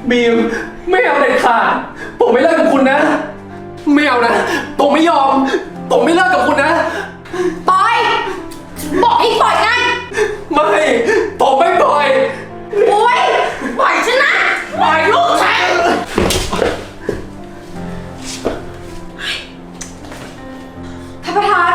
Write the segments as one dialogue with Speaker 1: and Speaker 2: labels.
Speaker 1: บีมไม่เอาเด็ดขาดผมไม่เลิกกับคุณนะ ไม่เอานะผมไม่ยอมผมไม่เลิกกับคุณนะ
Speaker 2: ปล่อยบอกให้ปล่อยไง
Speaker 1: ไม่ผมไม่ปล่อย
Speaker 2: โอ๊ยปล่อยฉันนะปล่อยลูกฉันท่านประธาน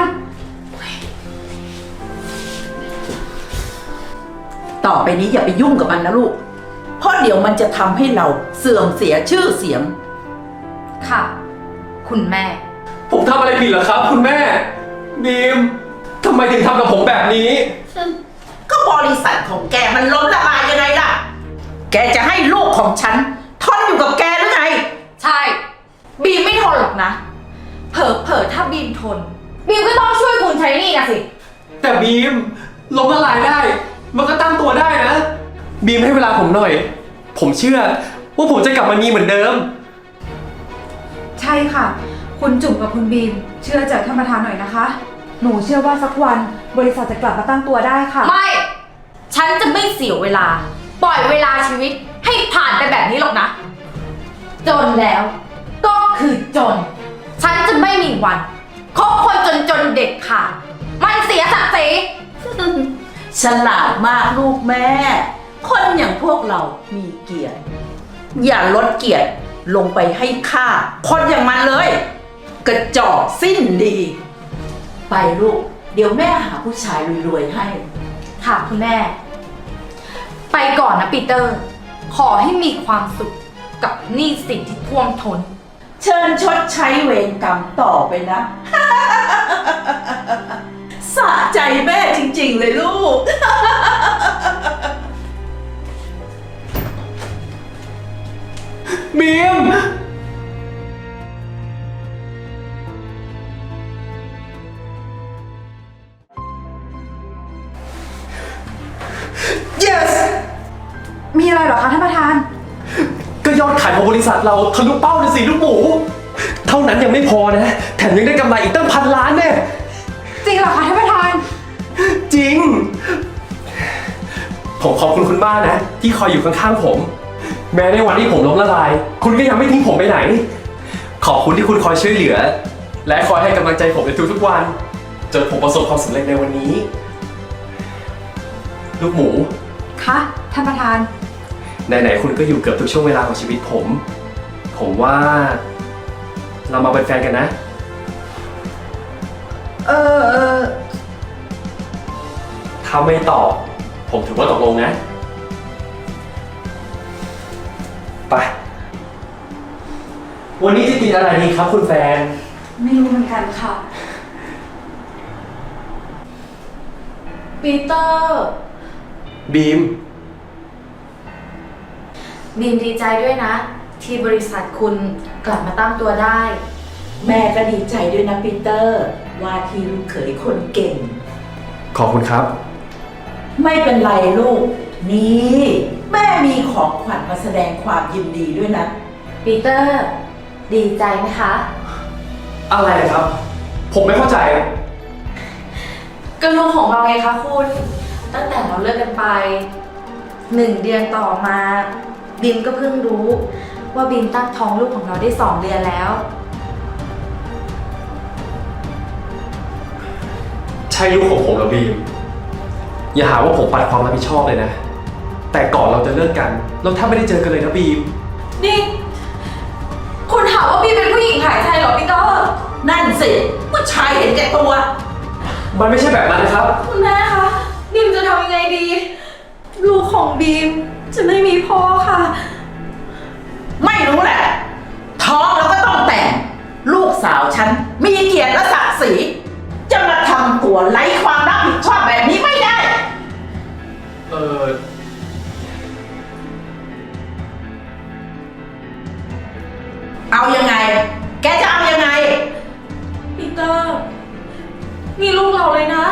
Speaker 3: ต่อไปนี้อย่าไปยุ่งกับมันนะลูกเพราะเดี๋ยวมันจะทำให้เราเสื่อมเสียชื่อเสียง
Speaker 2: ค่ะคุณแม่
Speaker 1: ผมทำอะไรผิดเหรอครับคุณแม่บีมทำไมถึงทำกับผมแบบนี้
Speaker 3: ก็บริษัทของแกมันล้มละลายยังไงล่ะแกจะให้ลูกของฉันทนอยู่กับแกหรือไง
Speaker 2: ใช่บีมไม่ทนหรอกนะเผลอถ้าบีมทนบีมก็ต้องช่วยคุณใช้หนี้นะสิ
Speaker 1: แต่บีมล้มละลายได้มันก็ตั้งตัวได้นะบีมให้เวลาผมหน่อยผมเชื่อว่าผมจะกลับมามีเหมือนเดิม
Speaker 4: ใช่ค่ะคุณจุ๋มกับคุณบีมเชื่อใจท่านประธานหน่อยนะคะหนูเชื่อว่าสักวันบริษัทจะกลับมาตั้งตัวได้ค่ะ
Speaker 2: ไม่ฉันจะไม่เสียเวลาปล่อยเวลาชีวิตให้ผ่านไปแบบนี้หรอกนะจนแล้วก็คือจนฉันจะไม่มีวันคบคนจนเด็ดขาดมันเสียศักดิ์ศรี
Speaker 3: ฉลาดมากลูกแม่คนอย่างพวกเรามีเกียรติอย่าลดเกียรติลงไปให้ค่าคนอย่างมันเลยกระจอกสิ้นดีไปลูกเดี๋ยวแม่หาผู้ชายรวยๆให้
Speaker 2: ค่ะคุณแม่ไปก่อนนะปีเตอร์ขอให้มีความสุขกับหนี้สินที่ท่วมท้น
Speaker 3: เชิญชดใช้เวรกรรมต่อไปนะสะใจแม่จริงๆเลยลูก
Speaker 1: บีม
Speaker 4: มีอะไรเหรอคะท่านประธาน
Speaker 1: ก็ยอดขายของบริษัทเราทะลุเป้าเลยสิลูกหมูเท่านั้นยังไม่พอนะแถมยังได้กำไรอีกตั้ง1,000 ล้านแน่
Speaker 4: จริงเหรอคะท่านประธาน
Speaker 1: จริงผมขอบคุณคุณบ้านนะที่คอยอยู่ข้างๆผมแม้ในวันที่ผมล้มละลายคุณก็ยังไม่ทิ้งผมไปไหนขอบคุณที่คุณคอยช่วยเหลือและคอยให้กำลังใจผมในทุกๆวันจนผมประสบความสำเร็จในวันนี้ลูกหมู
Speaker 4: คะท่านประธาน
Speaker 1: ไหนๆคุณก็อยู่เกือบทุกช่วงเวลาของชีวิตผมว่าเรามาเป็นแฟนกันนะถ้าไม่ตอบผมถือว่าตกลงนะไปวันนี้จะกินอะไรดีครับคุณแฟน
Speaker 4: ไม่รู้เหมือนกันค่ะ
Speaker 2: ปีเตอร์
Speaker 1: บีม
Speaker 2: ดีใจด้วยนะที่บริษัทคุณกลับมาตั้งตัวได้
Speaker 3: แม่ก็ดีใจด้วยนะปีเตอร์ว่าที่ลูกเขยคนเก่ง
Speaker 1: ขอบคุณครับ
Speaker 3: ไม่เป็นไรลูกนี่แม่มีของขวัญมาแสดงความยินดีด้วยนะ
Speaker 2: ปีเตอร์ดีใจไหมคะ
Speaker 1: อะไรครับผมไม่เข้าใจ
Speaker 2: ก็ลุงของเราไงคะคุณตั้งแต่เราเลิกกันไป1 เดือนต่อมาบีมก็เพิ่งรู้ว่าบีมตั้งท้องลูกของเราได้2 เดือนแล้ว
Speaker 1: ใช่ลูกของผมเหรอบีมอย่าหาว่าผมปัดความรับผิดชอบเลยนะแต่ก่อนเราจะเลิกกันเราแทบไม่ได้เจอกันเลยนะบีม
Speaker 2: นี่คุณถามว่าบีมเป็นผู้หญิงขายไทยเหรอพี่เตอร์
Speaker 3: นั่นสิผู้ชายเห็นแก่ตัว
Speaker 1: มันไม่ใช่แบบนั้นนะครับ
Speaker 2: คุณแม่คะบีมจะทำยังไงดีลูกของบีมจะไม่มีพ่อค่ะ
Speaker 3: ไม่รู้แหละท้องแล้วก็ต้องแต่งลูกสาวฉันมีเกียรติและศักดิ์ศรีจะมาทำตัวไร้ความรับผิดชอบแบบนี้ไม่ได้เอายังไงแกจะเอายังไง
Speaker 2: ปีเตอร์นี่ลูกเราเลยนะ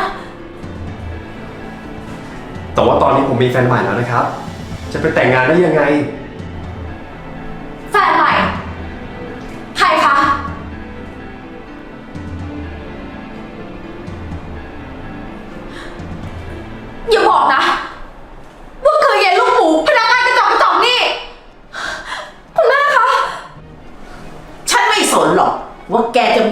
Speaker 1: แต่ว่าตอนนี้ผมมีแฟนใหม่แล้วนะครับจะไปแต่งงานได้ยังไง
Speaker 2: แฟนใหม่ใครคะอย่าบอกนะว่าคือเย็นลูกหมูพนักงานกระจอกนี่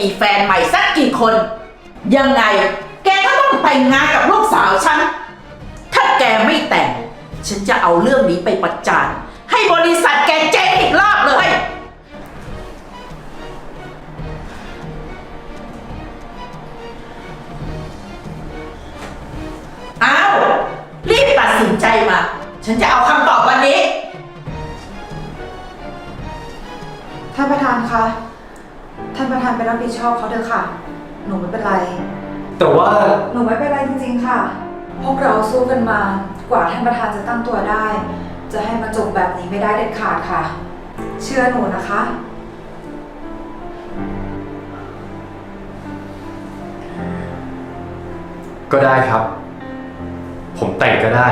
Speaker 3: มีแฟนใหม่สักกี่คน ยังไง แกก็ต้องแต่งงานกับลูกสาวฉัน ถ้าแกไม่แต่ง ฉันจะเอาเรื่องนี้ไปประจานให้บริษัทแกเจ๊งอีกรอบเลย อ้าว รีบตัดสินใจมา ฉันจะเอาคำตอบวันนี้
Speaker 4: ท่านประธานคะ ท่านประธานไปรับผิดชอบเขาเถอะค่ะ หนูไม่เป็นไร
Speaker 1: แต่ว่า
Speaker 4: หนูไม่เป็นไรจริงๆค่ะ พวกเราสู้กันมากว่าท่านประธานจะตั้งตัวได้ จะให้มาจบแบบนี้ไม่ได้เด็ดขาดค่ะ เชื่อหนูนะคะ
Speaker 1: ก็ได้ครับ ผมแต่งก็ได้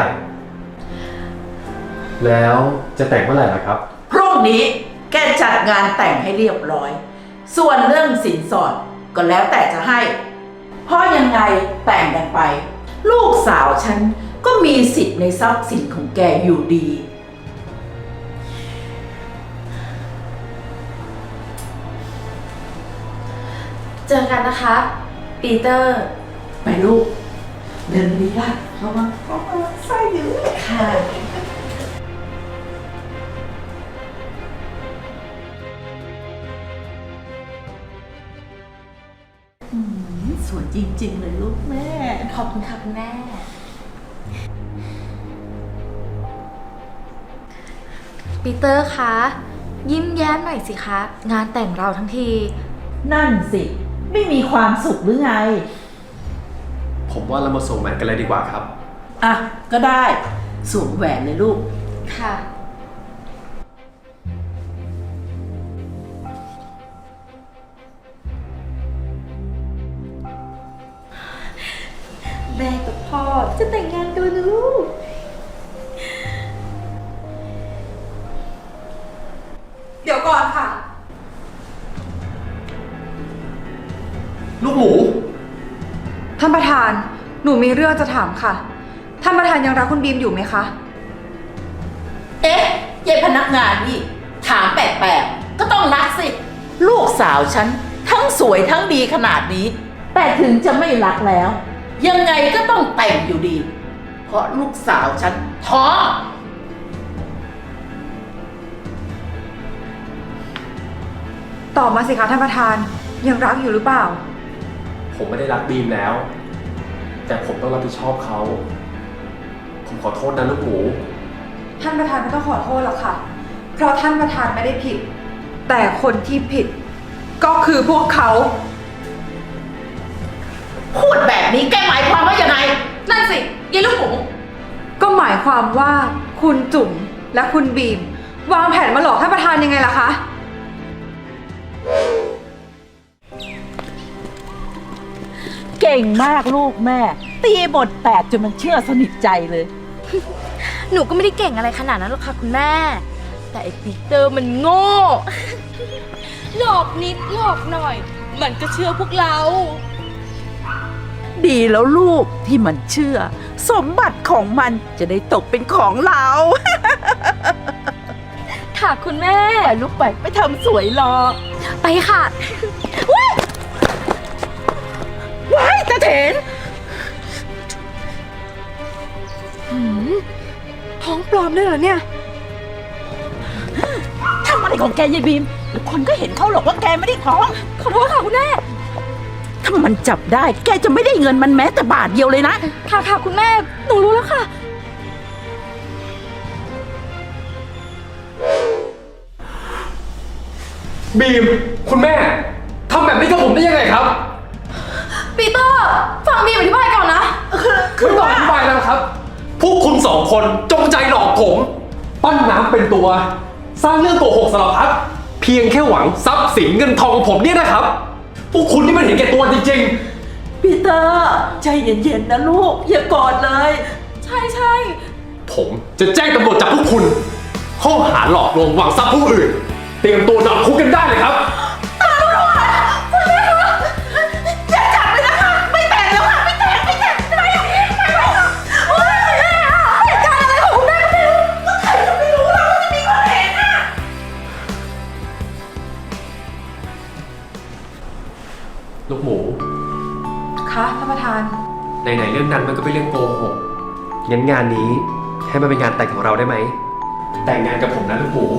Speaker 1: แล้วจะแต่งเมื่อไหร่ล่ะครับ
Speaker 3: พรุ่งนี้แกจัดงานแต่งให้เรียบร้อย ส่วนเรื่องสินสอดก็แล้วแต่จะให้ เพราะยังไงแต่งกันไป ลูกสาวฉันก็มีสิทธิ์ในทรัพย์สินของแกอยู่ดี
Speaker 2: เจอกันนะคะ ปีเตอร์
Speaker 3: ไปลูก เดินดีละเข้ามาใส่อยู่ค่ะสวยจริงๆเลยลูกแม่
Speaker 2: ขอบคุณค่ะคุณแม่ ปีเตอร์คะ ยิ้มแย้มหน่อยสิคะ งานแต่งเราทั้งที
Speaker 3: นั่นสิ ไม่มีความสุขหรือไง
Speaker 1: ผมว่าเรามาส่งแหวนกันเลยดีกว่าครับ
Speaker 3: อ่ะ ก็ได้สวมแหวนเลยลูก
Speaker 2: ค่ะ แม่กับพ่อจะแต่งงานกันแล้วนะลูก
Speaker 4: เดี๋ยวก่อนค่ะ
Speaker 1: ลูกหมู
Speaker 4: ท่านประธาน หนูมีเรื่องจะถามค่ะ ท่านประธานยังรักคุณบีมอยู่ไหมคะ
Speaker 3: เอ๊ะยายพนักงานนี่ ถามแปลกๆ ก็ต้องรักสิ ลูกสาวฉัน ทั้งสวยทั้งดีขนาดนี้ แต่ถึงจะไม่รักแล้ว ยังไงก็ต้องแต่งอยู่ดี เพราะลูกสาวฉันท้อง
Speaker 4: ตอบมาสิคะท่านประธาน ยังรักอยู่หรือเปล่า
Speaker 1: ผมไม่ได้รักบีมแล้ว แต่ผมต้องรับผิดชอบเขา ผมขอโทษนะลูกหมู
Speaker 4: ท่านประธานไม่ต้องขอโทษหรอกค่ะ เพราะท่านประธานไม่ได้ผิด แต่คนที่ผิด ก็คือพวกเขา
Speaker 3: พูดแบบนี้แกหมายความว่ายังไง
Speaker 2: นั่นสิยายลูกหมู
Speaker 4: ก็หมายความว่าคุณจุ๋มและคุณบีม วางแผนมาหลอกท่านประธานยังไงล่ะคะ
Speaker 3: เก่งมากลูกแม่ ตีบทแตกจนมันเชื่อสนิทใจเลย
Speaker 2: หนูก็ไม่ได้เก่งอะไรขนาดนั้นหรอกค่ะคุณแม่ แต่ไอ้ปีเตอร์มันโง่ หลอกนิดหลอกหน่อย มันก็เชื่อพวกเรา
Speaker 3: ดีแล้วลูกที่มันเชื่อ สมบัติของมันจะได้ตกเป็นของเรา
Speaker 2: ค่ะคุณแม่
Speaker 3: ไปลูกไปทำสวยรอ
Speaker 2: ไปค่ะ
Speaker 3: ว้ายตาเถน
Speaker 4: ท้องปลอมด้วยเหรอเนี่ย
Speaker 3: ทำอะไรของแกยายบีมเดี๋ยวคนก็เห็นเขาหรอกว่าแกไม่ได้ท้อง
Speaker 2: ขอโทษค่ะคุณแม่
Speaker 3: ถ้ามันจับได้แกจะไม่ได้เงินมันแม้แต่บาทเดียวเลยนะ
Speaker 2: ค่ะค่ะคุณแม่ หนูรู้แล้วค่ะ
Speaker 1: บีม คุณแม่ทำแบบนี้กับผมได้ยังไงครับ
Speaker 2: ปีเตอร์ ฟังบีมอธิบายก่อนนะ
Speaker 1: ไม่ต้องอธิบายแล้วครับ พวกคุณสองคนจงใจหลอกผม ปั้นน้ำเป็นตัว สร้างเรื่องโกหกสารพัดเพียงแค่หวังทรัพย์สินเงินทองของผมเนี่ยนะครับ พวกคุณนี่มันเห็นแก่ตัวจริง
Speaker 3: ปีเตอร์ใจเย็นๆนะลูก อย่ากอดเลย
Speaker 2: ใช่ใช่
Speaker 1: ๆ ผมจะแจ้งตำรวจจับพวกคุณ ข้อหาหลอกลวงหวังทรัพย์ผู้อื่น เตรียมตัวนอนคุกกันได้เลยครับ
Speaker 3: อย่าจับเลยนะคะ ไม่แต่งแล้วค่ะ ไม่แต่งไม่ค่ะโอ๊ยแม่อะเหตุการณ์อะไรของคุณแม่ก็ไม่รู้ก็ใครจะไม่รู้เราจะมีคนเห็นอะ
Speaker 4: คะท่านประธาน
Speaker 1: ไหนๆเรื่องนั้นมันก็เป็นเรื่องโกหกงั้นงานนี้ให้มันเป็นงานแต่งของเราได้ไหม แต่งงานกับผมนะลูกหมู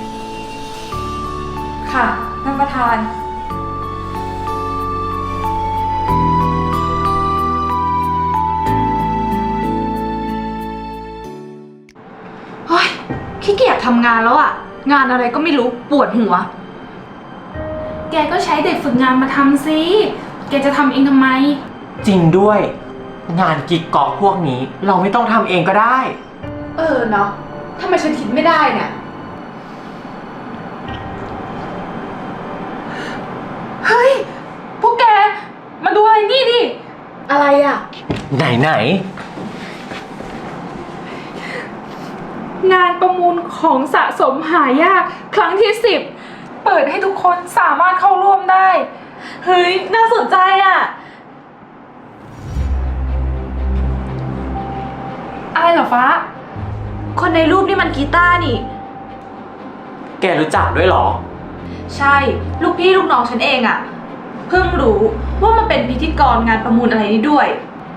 Speaker 4: ค่ะท่านประธาน
Speaker 2: เฮ้ยขี้เกียจทำงานแล้วอะงานอะไรก็ไม่รู้ปวดหัว
Speaker 5: แกก็ใช้เด็กฝึกงานมาทำสิ แกจะทำเองทำไม
Speaker 6: จริงด้วย งานกิ๊กก๊อกพวกนี้เราไม่ต้องทำเองก็ได้
Speaker 2: เนาะทำไมฉันคิดไม่ได้เนี่ย
Speaker 5: เฮ้ย พวกแก มาดูอะไรนี่ดิ
Speaker 2: อะไรอะ
Speaker 6: ไหน
Speaker 5: งานประมูลของสะสมหายากครั้งที่ 10 เปิดให้ทุกคนสามารถเข้าร่วมได้
Speaker 2: เฮ้ยน่าสนใจอะ
Speaker 5: อะไรเหรอฟ้า
Speaker 2: คนในรูปนี่มันกีตาร์นี่
Speaker 6: แกรู้จักด้วยเหรอ
Speaker 2: ใช่ ลูกพี่ลูกน้องฉันเองอะเพิ่งรู้ว่ามันเป็นพิธีกรงานประมูลอะไรนี้ด้วย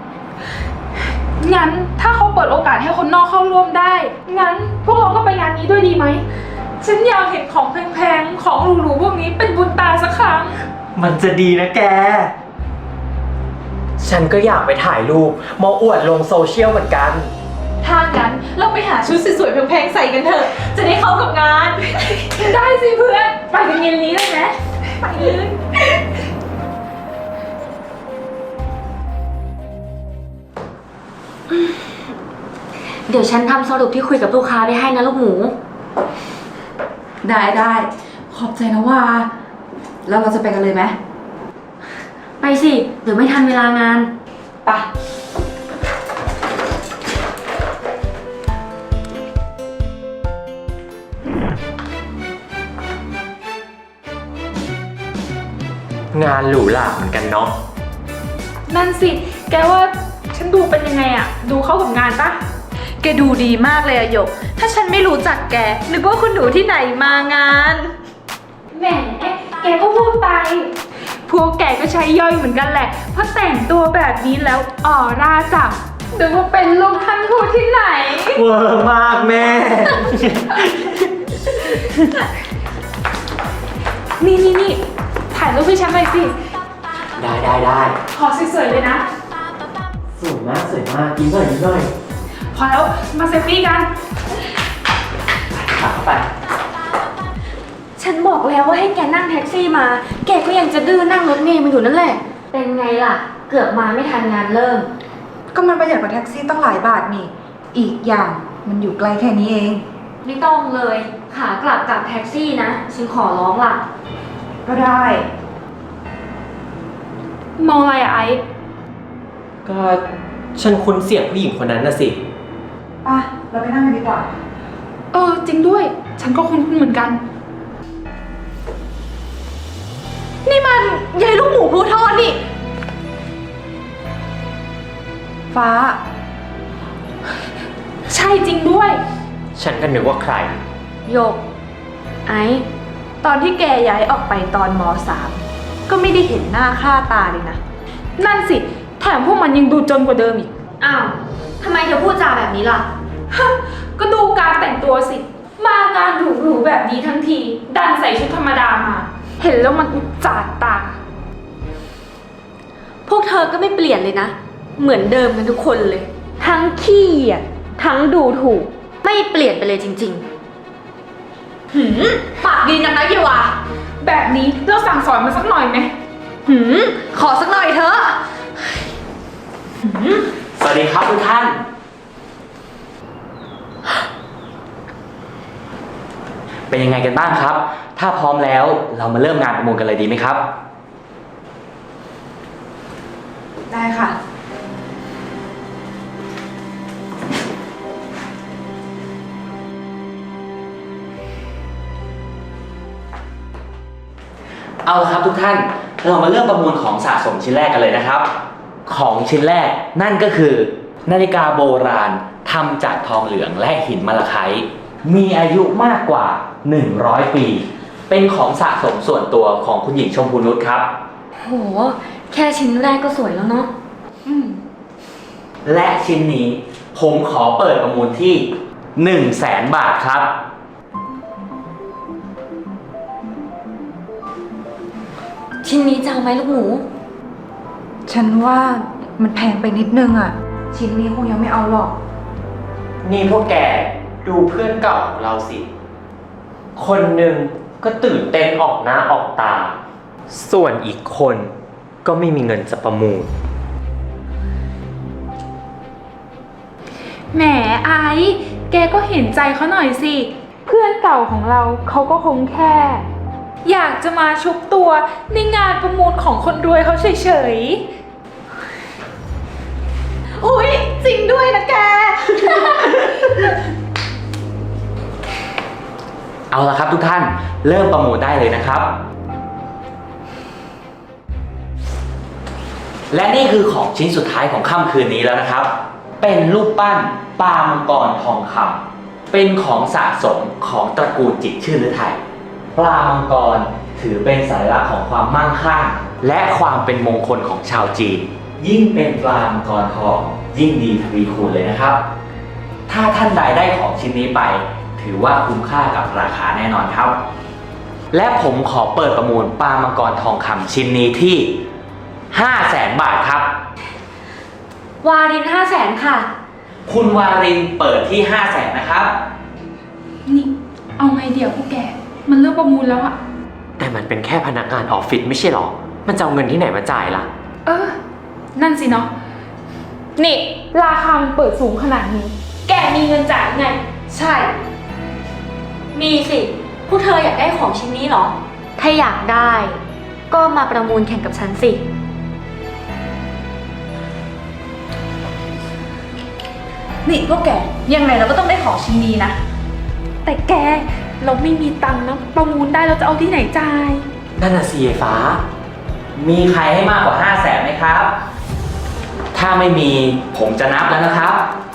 Speaker 5: งั้นถ้าเขาเปิดโอกาสให้คนนอกเข้าร่วมได้ งั้นพวกเราก็ไปงานนี้ด้วยดีไหม ฉันอยากเห็นของแพงๆ ของหรูๆพวกนี้เป็นบุญตาสักครั้ง
Speaker 6: มันจะดีนะแก ฉันก็อยากไปถ่ายรูปมาอวดลงโซเชียลเหมือนกัน
Speaker 2: ถ้างั้นเราไปหาชุดสวยๆแพงๆใส่กันเถอะ จะได้เข้ากับงาน
Speaker 5: ได้สิเพื่อน ไปกันเย็นนี้เลยไหมไปเลย
Speaker 7: เดี๋ยวฉันทำสรุปที่คุยกับลูกค้าไปให้นะลูกหมู
Speaker 4: ได้ขอบใจนะว่า แล้วเราจะไปกันเลยไหม
Speaker 7: ไปสิ เดี๋ยวไม่ทันเวลางาน
Speaker 4: ไป
Speaker 6: งานหรูหราเหมือนกันเนาะ
Speaker 5: นั่นสิ แกว่าฉันดูเป็นยังไงอะดูเข้ากับงานปะ
Speaker 2: แกดูดีมากเลยอะหยก ถ้าฉันไม่รู้จักแก นึกว่าคุณหนูที่ไหนมางาน
Speaker 5: แหม แกก็พูดไป พวกแกก็ใช้ย่อยเหมือนกันแหละ เพราะแต่งตัวแบบนี้แล้วออร่าจับนึกว่าเป็นลูกท่านทูตที่ไหน
Speaker 6: เวอร์มากแม่
Speaker 5: นี่ ถ่ายรูปให้ฉันหน่อยสิ
Speaker 6: ได้
Speaker 5: ขอสวยๆเลยนะ
Speaker 6: สวยมากยิ้มหน่อย
Speaker 5: พอแล้ว มาเซลฟี่กัน
Speaker 6: ขาเข้าไป
Speaker 7: ฉันบอกแล้วว่าให้แกนั่งแท็กซี่มา แกก็ยังจะดื้อนั่งรถเมล์มาอยู่นั่นแหละ เป็นไงล่ะ เกือบมาไม่ทันงานเริ่ม
Speaker 4: ก็มันประหยัดกว่าแท็กซี่ตั้งหลายบาทนี่ อีกอย่างมันอยู่ไกลแค่นี้เอง
Speaker 7: ไม่ต้องเลย ขากลับกับแท็กซี่นะ ฉันขอร้องล่ะ
Speaker 4: ก็ได้
Speaker 5: มองอะไรอะไอซ์
Speaker 6: ก็ฉันคุ้นเสียงผู้หญิงคนนั้นน่ะสิ
Speaker 4: ป่ะ เราไปนั่งกันดีกว่า
Speaker 5: จริงด้วย ฉันก็คุ้นเหมือนกัน
Speaker 2: นี่มันยายลูกหมูพลูทอดนี่
Speaker 4: ฟ้า
Speaker 5: ใช่จริงด้วย
Speaker 6: ฉันก็นึกว่าใคร
Speaker 2: หยก ไอ้ ตอนที่แกย้ายออกไปตอนม.3 ก็ไม่ได้เห็นหน้าค่าตาเลยนะ
Speaker 5: นั่นสิ แถมพวกมันยังดูจนกว่าเดิมอีก
Speaker 7: อ้าว ทำไมเธอพูดจาแบบนี้ล่ะ
Speaker 5: ก็ดูการแต่งตัวสิ มางานหรูๆแบบนี้ทั้งที ดันใส่ชุดธรรมดามา เห็นแล้วมันอุจจาตา
Speaker 7: พวกเธอก็ไม่เปลี่ยนเลยนะ เหมือนเดิมกันทุกคนเลย ทั้งขี้เหยียดทั้งดูถูก ไม่เปลี่ยนไปเลยจริง
Speaker 2: ปากดีนังนะเยวา
Speaker 5: แบบนี้เราสั่งสอนมันสักหน่อยไหม
Speaker 2: ขอสักหน่อยเถอะ
Speaker 6: สวัสดีครับทุกท่าน เป็นยังไงกันบ้างครับ ถ้าพร้อมแล้วเรามาเริ่มงานประมูลกันเลยดีไหมครับ
Speaker 4: ได้ค่ะ
Speaker 6: เอาละครับทุกท่าน เรามาเริ่มประมูลของสะสมชิ้นแรกกันเลยนะครับ ของชิ้นแรกนั่นก็คือนาฬิกาโบราณทำจากทองเหลืองและหินมะละไคมีอายุมากกว่า 100 ปี เป็นของสะสมส่วนตัวของคุณหญิงชมพูนุชครับ
Speaker 7: ๆ โหแค่ชิ้นแรกก็สวยแล้วเนาะ
Speaker 6: และชิ้นนี้ผมขอเปิดประมูลที่ 100,000 บาทครับ
Speaker 7: ชิ้นนี้จะเอาไหมลูกหมู
Speaker 4: ฉันว่ามันแพงไปนิดนึงอะชิ้นนี้คงยังไม่เอาหรอก
Speaker 6: นี่พวกแกดูเพื่อนเก่าของเราสิ คนหนึ่งก็ตื่นเต้นออกหน้าออกตา ส่วนอีกคนก็ไม่มีเงินจะประมูล
Speaker 5: แหมไอ้แกก็เห็นใจเขาหน่อยสิ เพื่อนเก่าของเราเขาก็คงแค่ อยากจะมาชุบตัวในงานประมูลของคนรวยเขาเฉยๆ อุ๊ย จริงด้วยนะแก
Speaker 6: เอาละครับทุกท่านเริ่มประมูลได้เลยนะครับ และนี่คือของชิ้นสุดท้ายของค่ำคืนนี้แล้วนะครับ เป็นรูปปั้นปลามังกรทองคำเป็นของสะสมของตระกูลจิตรชื่นฤทัยปลามังกรถือเป็นสัญลักษณ์ของความมั่งคั่งและความเป็นมงคลของชาวจีน ยิ่งเป็นปลามังกรทองยิ่งดีทวีคูณเลยนะครับ ถ้าท่านใดได้ของชิ้นนี้ไป ถือว่าคุ้มค่ากับราคาแน่นอนครับ และผมขอเปิดประมูลปลามังกรทองคำชิ้นนี้ที่ 500,000 บาทครับ
Speaker 7: วาริน500,000ค่ะ
Speaker 6: คุณวารินเปิดที่ 500,000 นะครับ
Speaker 5: นี่ เอาไงเดี๋ยวพวกแก มันเริ่มประมูลแล้วอะ
Speaker 1: แต่มันเป็นแค่พนักงานออฟฟิศไม่ใช่หรอ มันจะเอาเงินที่ไหนมาจ่ายล่ะ
Speaker 5: เออ นั่นสิเนาะ นี่ ราคามันเปิดสูงขนาดนี้ แกมีเงินจ่ายไง
Speaker 7: ใช่ มีสิ พวกเธออยากได้ของชิ้นนี้เหรอ ถ้าอยากได้ ก็มาประมูลแข่งกับฉันสิ
Speaker 2: นี่พวกแก ยังไงเราก็ต้องได้ของชิ้นนี้นะ
Speaker 5: แต่แก เราไม่มีตังค์นะ ประมูลได้เราจะเอาที่ไหนจ่าย
Speaker 6: นั่นน่ะสิฟ้า มีใครให้มากกว่า 500,000ไหมครับ ถ้าไม่มีผมจะนับแล้วนะครับ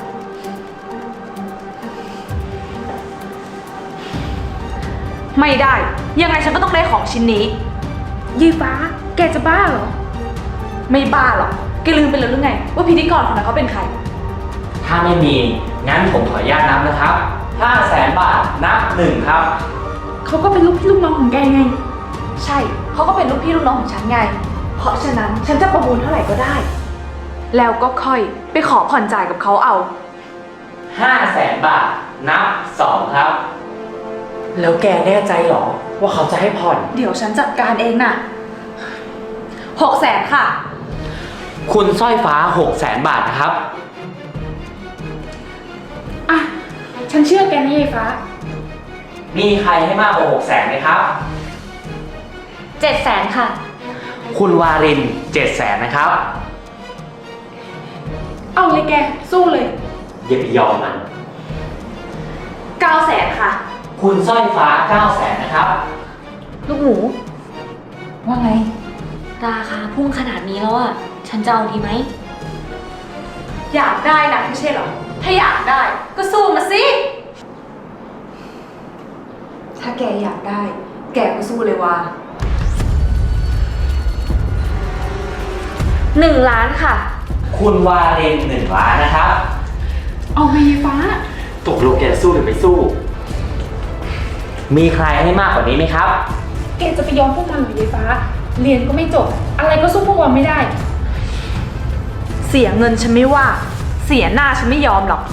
Speaker 2: ไม่ได้ ยังไงฉันก็ต้องได้ของชิ้นนี้
Speaker 5: ยีฟ้า แกจะบ้าเหรอ
Speaker 2: ไม่บ้าหรอก แกลืมไปแล้วหรือไง ว่าพิธีกรคนนั้นเขาเป็นใคร
Speaker 6: ถ้าไม่มี งั้นผมขออนุญาตนับนะครับ 500,000 บาท นับ 1 ครับ
Speaker 5: เขาก็เป็นลูกพี่ลูกน้องของแกไง
Speaker 2: ใช่ เขาก็เป็นลูกพี่ลูกน้องของฉันไง เพราะฉะนั้นฉันจะประมูลเท่าไหร่ก็ได้ แล้วก็ค่อยไปขอผ่อนจ่ายกับเขาเอา
Speaker 6: 500,000 บาท นับ 2 ครับ
Speaker 1: แล้วแกแน่ใจหรอ ว่าเขาจะให้ผ่อน
Speaker 2: เดี๋ยวฉันจัดการเองน่ะ600,000ค่ะ
Speaker 6: คุณสร้อยฟ้า 600,000 บาทนะครับ
Speaker 5: อ่ะ ฉันเชื่อแกนะยีฟ้า
Speaker 6: มีใครให้มากกว่า 600,000ไหมครับ
Speaker 7: 700,000ค่ะ
Speaker 6: คุณวาริน 700,000 นะครับ
Speaker 5: เอาเลยแก สู้เลย
Speaker 6: อย่าไปยอมมัน
Speaker 2: 900,000ค่ะ
Speaker 6: คุณสร้อยฟ้า 900,000 นะครับ
Speaker 7: ลูกหมู
Speaker 2: ว่าไง
Speaker 7: ราคาพุ่งขนาดนี้แล้วอ่ะ ฉันจะเอาดีไหม
Speaker 2: อยากได้นะไม่ใช่เหรอ ถ้าอยากได้ก็สู้มาสิ
Speaker 4: ถ้าแกอยากได้ แกก็สู้เลยว่า
Speaker 7: 1 ล้านค่ะ
Speaker 6: คุณวาริน 1 ล้านนะครับ
Speaker 5: เอาไงยีฟ้า
Speaker 1: ตกลงแกสู้หรือไม่สู้
Speaker 6: มีใครให้มากกว่านี้ไหมครับ
Speaker 5: แกจะไปยอมพวกมันหรือยีฟ้า เรียนก็ไม่จบ อะไรก็สู้พวกเราไม่ได้
Speaker 2: เสียเงินฉันไม่ว่า เสียหน้าฉันไม่ยอมหรอก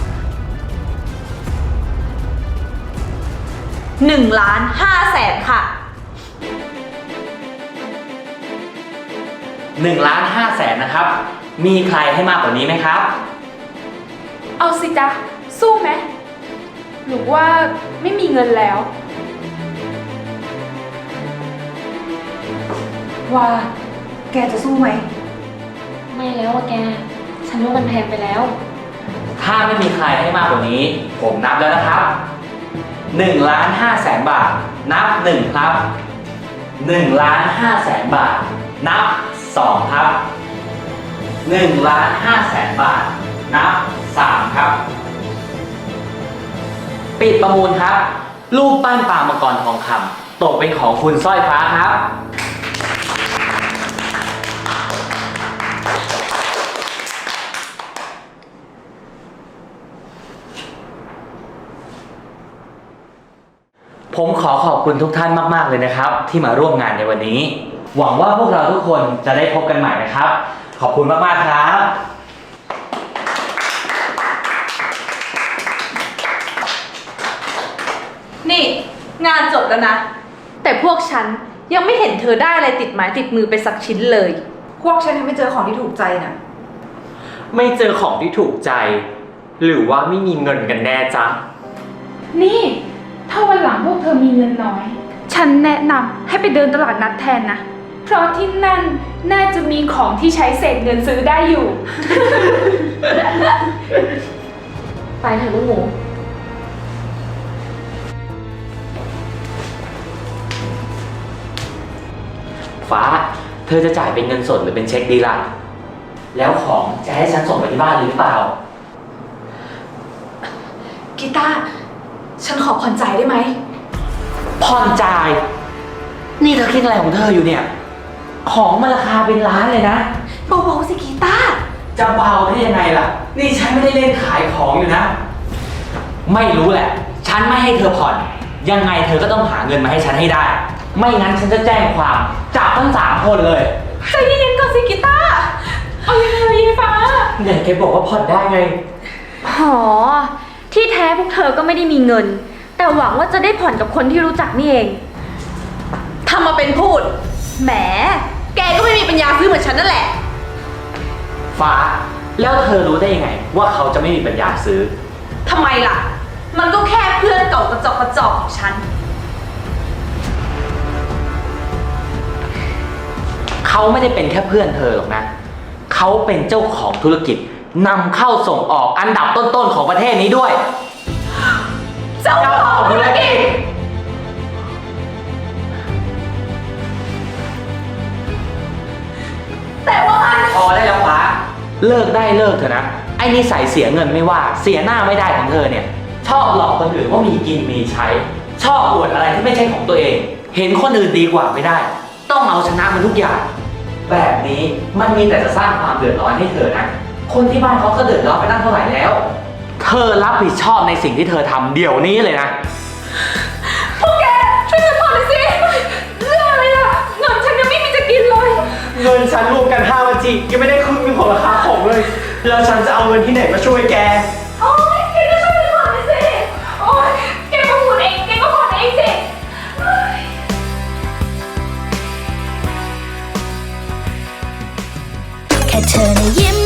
Speaker 2: 1,500,000ค่ะ
Speaker 6: 1,500,000 นะครับ มีใครให้มากกว่านี้ไหมครับ
Speaker 5: เอาสิจ๊ะ สู้ไหม หรือว่าไม่มีเงินแล้ว
Speaker 4: ว่า แกจะสู้ไหม
Speaker 7: ไม่แล้วอะแก ฉันว่ามันแพงไปแล้ว
Speaker 6: ถ้าไม่มีใครให้มากกว่านี้ ผมนับแล้วนะครับ 1,500,000 บาท นับ 1 ครับ 1,500,000 บาท นับ 2 ครับ 1,500,000 บาท นับ 3 ครับ ปิดประมูลครับ รูปปั้นปลามังกรทองคำตกเป็นของคุณสร้อยฟ้าครับผมขอขอบคุณทุกท่านมากๆเลยนะครับ ที่มาร่วมงานในวันนี้ หวังว่าพวกเราทุกคนจะได้พบกันใหม่นะครับ ขอบคุณมากๆครับ
Speaker 2: นี่ งานจบแล้วนะ แต่พวกฉันยังไม่เห็นเธอได้อะไรติดไม้ติดมือไปสักชิ้นเลย
Speaker 4: พวกฉันยังไม่เจอของที่ถูกใจน่ะ
Speaker 1: ไม่เจอของที่ถูกใจ หรือว่าไม่มีเงินกันแน่จ๊ะ
Speaker 5: นี่ ถ้าวันหลังพวกเธอมีเงินน้อย ฉันแนะนำให้ไปเดินตลาดนัดแทนนะ เพราะที่นั่นน่าจะมีของที่ใช้เศษเงินซื้อได้อยู่
Speaker 7: ไปเถอะลูกหมู
Speaker 6: ฟ้า เธอจะจ่ายเป็นเงินสดหรือเป็นเช็คดีล่ะ แล้วของจะให้ฉันส่งไปที่บ้านเลยหรือเปล่า
Speaker 4: กีตาร์ฉันขอผ่อนจ่ายได้ไหม
Speaker 6: ผ่อนจ่าย นี่เธอคิดอะไรของเธออยู่เนี่ย ของมันราคาเป็นล้านเลยนะ
Speaker 4: เบาๆสิกีตาร์
Speaker 6: จะเบาได้ยังไงล่ะ นี่ฉันไม่ได้เล่นขายของอยู่นะ ไม่รู้แหละ ฉันไม่ให้เธอผ่อน ยังไงเธอก็ต้องหาเงินมาให้ฉันให้ได้ ไม่งั้นฉันจะแจ้งความจับทั้ง3 คนเลย
Speaker 2: ใจเย็นๆก่อนสิกีตาร์
Speaker 5: เอายังไงยายฟ้า
Speaker 1: เนี่ยแกบอกว่าผ่อนได้ไง
Speaker 7: หอ ที่แท้พวกเธอก็ไม่ได้มีเงิน แต่หวังว่าจะได้ผ่อนกับคนที่รู้จักนี่เอง
Speaker 2: ทำมาเป็นพูด แหม แกก็ไม่มีปัญญาซื้อเหมือนฉันนั่นแหละ
Speaker 6: ฟ้า แล้วเธอรู้ได้ยังไง ว่าเขาจะไม่มีปัญญาซื้อ
Speaker 2: ทำไมล่ะ มันก็แค่เพื่อนเก่ากระจอกกระจอกของฉัน
Speaker 6: เขาไม่ได้เป็นแค่เพื่อนเธอหรอกนะ เขาเป็นเจ้าของธุรกิจนำเข้าส่งออกอันดับต้นๆของประเทศนี้ด้วย
Speaker 2: เจ้าของธุรกิจ แต่ว่ามัน
Speaker 6: พอได้แล้วฟ้า เลิกได้เลิกเถอะนะ ไอ้นิสัยเสียเงินไม่ว่า เสียหน้าไม่ได้ของเธอเนี่ย ชอบหลอกคนอื่นว่ามีกินมีใช้ ชอบอวดอะไรที่ไม่ใช่ของตัวเอง เห็นคนอื่นดีกว่าไม่ได้ ต้องเอาชนะมันทุกอย่าง แบบนี้มันมีแต่จะสร้างความเดือดร้อนให้เธอนะ คนที่บ้านเขาก็เดือดร้อนไปตั้งเท่าไหร่แล้ว เธอรับผิดชอบในสิ่งที่เธอทำเดี๋ยวนี้เลยนะ
Speaker 5: พวกแกช่วยฉันผ่อนเลยสิ เรื่องอะไรล่ะ เงินฉันยังไม่มีจะกินเลย
Speaker 1: เงินฉันรวมกัน5วันจียังไม่ได้ครึ่งหนึงของราคาของเลย แล้วฉันจะเอาเงินที่ไหนมาช่วยแก
Speaker 5: โอ๊ยแกก็ช่วยฉันผ่อนเลยสิ โอ๊ยแกก็พูดเอง แกก็ผ่อนเองสิ
Speaker 8: แค่เธอนะยิ้ม